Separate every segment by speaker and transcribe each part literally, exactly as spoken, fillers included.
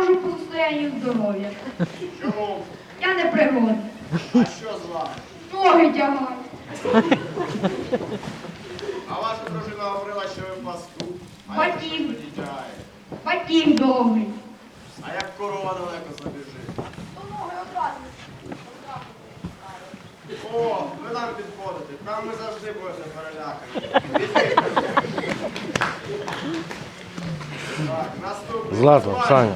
Speaker 1: можу по состоянню здоров'я.
Speaker 2: Чому?
Speaker 1: Я не пригодна.
Speaker 2: А що з вами?
Speaker 1: Ноги тягаю.
Speaker 2: А ваша дружина говорила, що ви пастух. А
Speaker 1: Батьків.
Speaker 2: як ви тягає?
Speaker 1: Батьків довгий.
Speaker 2: А як корова далеко забіжить?
Speaker 1: То ноги одразу.
Speaker 2: О, ви нам підходите. Там ми завжди будете перелякані. Візьміть. Так, наступний.
Speaker 3: Злата,
Speaker 2: Звань.
Speaker 3: Саня.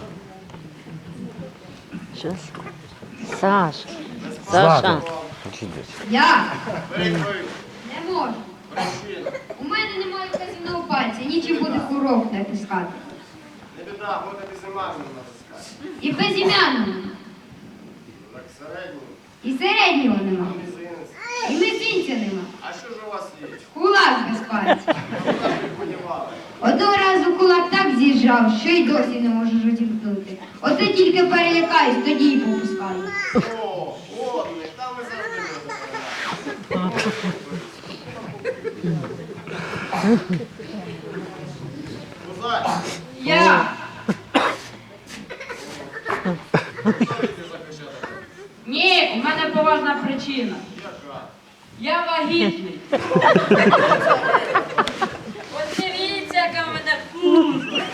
Speaker 4: Щас. Саша.
Speaker 3: Злата.
Speaker 4: Саша.
Speaker 1: Я
Speaker 2: Відповідь.
Speaker 1: не можу.
Speaker 2: Причина.
Speaker 1: У мене немає вказівного пальця, нічим буде курок натискати.
Speaker 2: Не біда, будете безімажним натискати.
Speaker 1: І безім'янного.
Speaker 2: Так, середній.
Speaker 1: І середнього нема.
Speaker 2: Мізинець.
Speaker 1: І мизинця нема.
Speaker 2: А що ж у вас є?
Speaker 1: Кулак без пальця.
Speaker 2: Куди ж ви подівали?
Speaker 1: Одного разу кулак так з'їжджав, що й досі не можу розімкнути. Оце тільки перелякаюсь, тоді й попускаю.
Speaker 2: О, водний, там ви завжди будете перелякані. Кузач,
Speaker 1: Я.
Speaker 2: будете захищати?
Speaker 5: Ні, у мене поважна причина.
Speaker 2: Яка?
Speaker 5: Я вагітний. Ось дивіться, яка в мене пузо.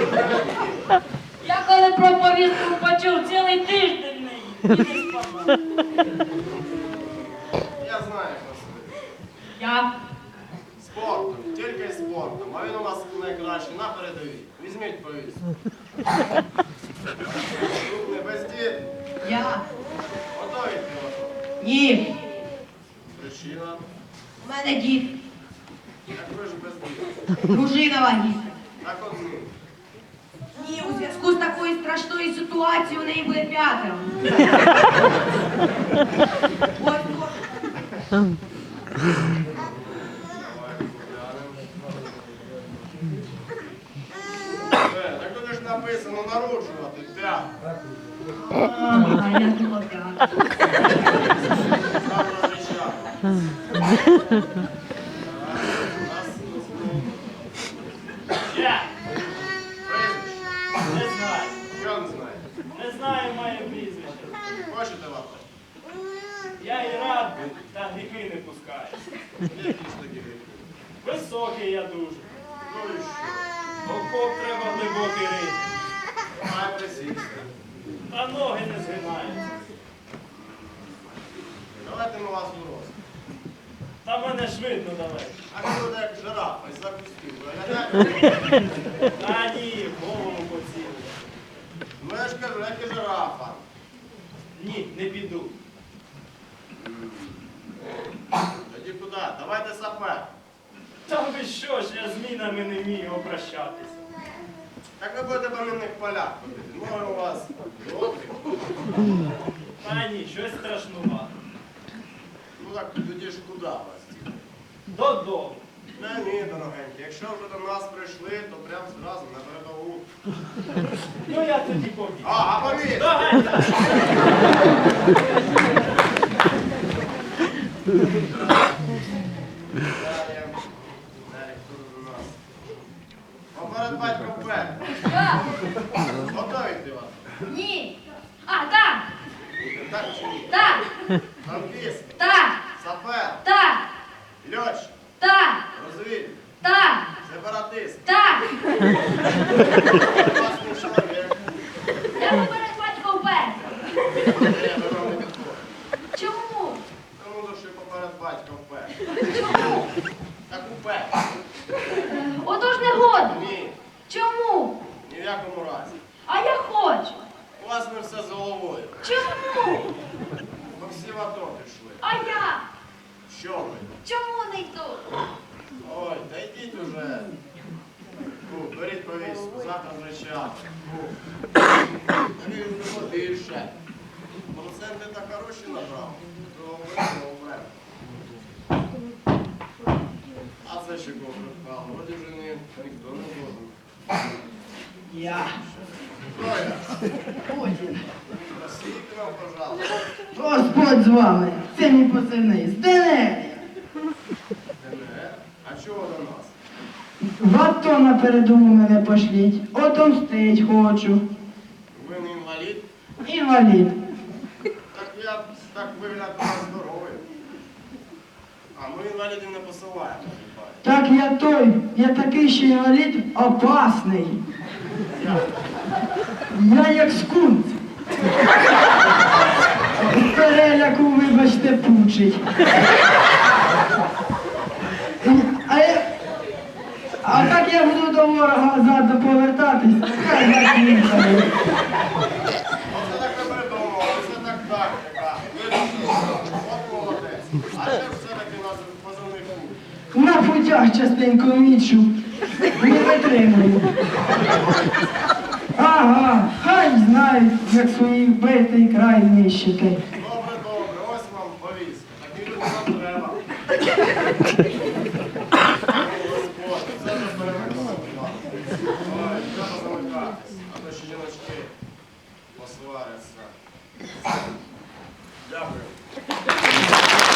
Speaker 5: Я коли про повістку почув, цілий тиждень не їв і не спав.
Speaker 2: Я знаю, хто сидить.
Speaker 5: Я.
Speaker 2: Спортом, тільки спортом. А він у нас найкращий на передовій. Візьміть повістку. Наступний бездід.
Speaker 1: Я.
Speaker 2: Готові пілоту?
Speaker 1: Ні.
Speaker 2: Причина.
Speaker 1: У мене дід.
Speaker 2: Як ви ж бездід?
Speaker 1: Дружина вагітна.
Speaker 2: Так от ні.
Speaker 1: Ні, у зв'язку з такою страшною ситуацією у неї буде п'ятеро. Ось, ось.
Speaker 2: Давай поглянемо. Е, так тут ж написано народжувати. П'ять.
Speaker 1: А, я думала п'ятеро.
Speaker 2: Сам розрішав.
Speaker 6: Я
Speaker 2: Прізвище.
Speaker 6: не знаю.
Speaker 2: Що не знає?
Speaker 6: Не знаю моє прізвище.
Speaker 2: Хочете лапи?
Speaker 6: Я і рад би, та гріхи не пускаю.
Speaker 2: Які ж такі гріхи?
Speaker 6: Високий я дуже.
Speaker 2: Ну і що?
Speaker 6: Окоп треба глибокий рити.
Speaker 2: Має присісти.
Speaker 6: Та ноги не згинаються.
Speaker 2: Давайте ми вас у рост.
Speaker 6: Та мене ж видно далеко.
Speaker 2: А ви буде як жирафа із запустів. Виглядаєте?
Speaker 6: Та ні, в голову поцілую.
Speaker 2: Ну я ж кажу, як і жирафа.
Speaker 6: Ні, не піду.
Speaker 2: Тоді куди? Давайте сапер.
Speaker 6: Та ви що ж, я з мінами не вмію обращатися.
Speaker 2: Так ви будете по мінних полях ходити. Ноги у вас добрі.
Speaker 6: Та ні, щось страшнувато.
Speaker 2: Ну так тоді ж куди вас?
Speaker 6: Додому.
Speaker 2: Не, ні, дорогенькі. Якщо вже до нас прийшли, то прямо зразу на передову.
Speaker 6: Ну я тоді побіг.
Speaker 2: А, а повітря!
Speaker 6: Догадайся.
Speaker 2: Далі. Далі, хто до нас? Поперед батько вперед.
Speaker 1: Я.
Speaker 2: Готові ти вас?
Speaker 1: Ні. А, так.
Speaker 2: Так чи ні?
Speaker 1: Так.
Speaker 2: Танкіст,
Speaker 1: Так.
Speaker 2: сапер,
Speaker 1: Так.
Speaker 2: льотчик,
Speaker 1: Так.
Speaker 2: розвідник,
Speaker 1: Так.
Speaker 2: сепаратист.
Speaker 1: Так.
Speaker 2: Класний чоловік.
Speaker 1: Я поперед батька вперед.
Speaker 2: Ні, ви вам не підходите.
Speaker 1: Чому?
Speaker 2: Тому що поперед батька вперед.
Speaker 1: Чому?
Speaker 2: Так упер.
Speaker 1: Отож не годно.
Speaker 2: Ні,
Speaker 1: Чому?
Speaker 2: ні в якому разі.
Speaker 1: А я хочу.
Speaker 2: У вас не все з головою.
Speaker 1: Чому?
Speaker 2: Бо всі в АТО пішли.
Speaker 1: А я?
Speaker 2: Що ви?
Speaker 1: Чому не йду?
Speaker 2: Ой, та йдіть уже. Ну, беріть повістку, завтра вже час. Ну, не більше. Проценти так хороші набрав. То вийшло вмер. А це ще кого припало? Вроді вже ні, ніхто не згоден.
Speaker 1: Я.
Speaker 2: Хто я?
Speaker 1: Путін.
Speaker 2: Скільки вам, пожалуйста?
Speaker 1: Господь з вами. Це мій позивний. Зденелія.
Speaker 2: ДНР? А чого до нас?
Speaker 1: В АТО на передову мене пошліть. Отомстить хочу.
Speaker 2: Ви
Speaker 3: інвалід.
Speaker 2: Так я так виглядаю здоровий. А ми інвалідів не посилаємо.
Speaker 3: Так я той, я такий, що інвалід опасний. Я як скунт. З переляку, вибачте, пучить. А, я... а так я буду до ворога ззаду повертатись, хай закінчає.
Speaker 2: Оце так не придумав, це так тактика. От молодець. А це все-таки у нас позивний пункт.
Speaker 3: На путях частенько мічу, не витримую. Ага, хай знають, як свій битий край нищити.
Speaker 2: Добре, добре, ось вам повістка. Такі люди нам треба. От, це вже перемикнуло. Ой, треба замикатись, а то ще жіночки посваряться. Дякую.